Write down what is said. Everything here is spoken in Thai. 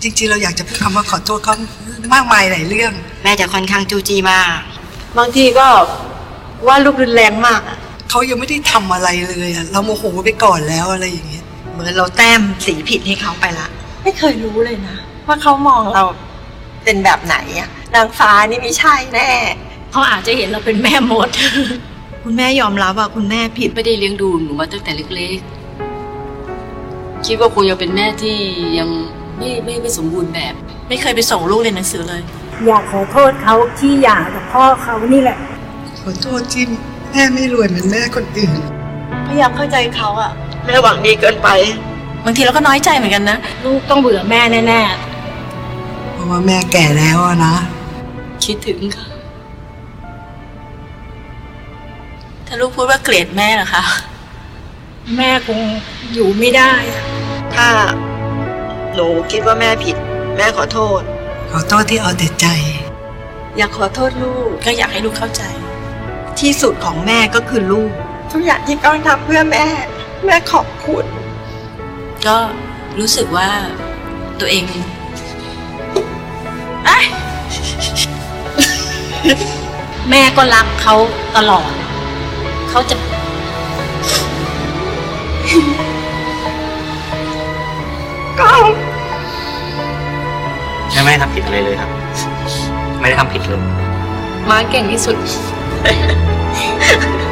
จริงๆเราอยากจะพูดคำว่าขอโทษเขามากมายหลายเรื่องแม่จะค่อนข้างจู้จี้มากบางทีก็ว่าลูกรุนแรงมากเขายังไม่ได้ทำอะไรเลยเราโมโหไปก่อนแล้วอะไรอย่างเงี้ยเหมือนเราแต้มสีผิดให้เขาไปละไม่เคยรู้เลยนะว่าเขามองเราเป็นแบบไหนนางฟ้านี่ไม่ใช่แน่เขาอาจจะเห็นเราเป็นแม่มดคุณแม่ยอมรับว่าคุณแม่ผิดไม่ได้เลี้ยงดูหนูมาตั้งแต่เล็กๆคิดว่าคงยังเป็นแม่ที่ยังไม่สมบูรณ์แบบไม่เคยไปส่งลูกเรียนหนังสือเลยอยากขอโทษเขาที่หย่ากับพ่อเขานี่แหละขอโทษที่แม่ไม่รวยเหมือนแม่คนอื่นพยายามเข้าใจเขาแม่หวังดีเกินไปบางทีเราก็น้อยใจเหมือนกันนะลูกต้องเบื่อแม่แน่ๆเพราะว่าแม่แก่แล้วนะคิดถึงค่ะถ้าลูกพูดว่าเกลียดแม่เหรอคะแม่คงอยู่ไม่ได้ถ้าหนูคิดว่าแม่ผิดแม่ขอโทษที่เอาแต่ใจอยากขอโทษลูกก็อยากให้ลูกเข้าใจที่สุดของแม่ก็คือลูกทุกอย่างที่ก้องทำเพื่อแม่ขอบคุณก็รู้สึกว่าตัวเองแม่ก็รักเขาตลอดเขาจะก้องแม่ไม่ได้ทำผิดอะไรเลยครับไม่ได้ทำผิดเลยม้าเก่งที่สุด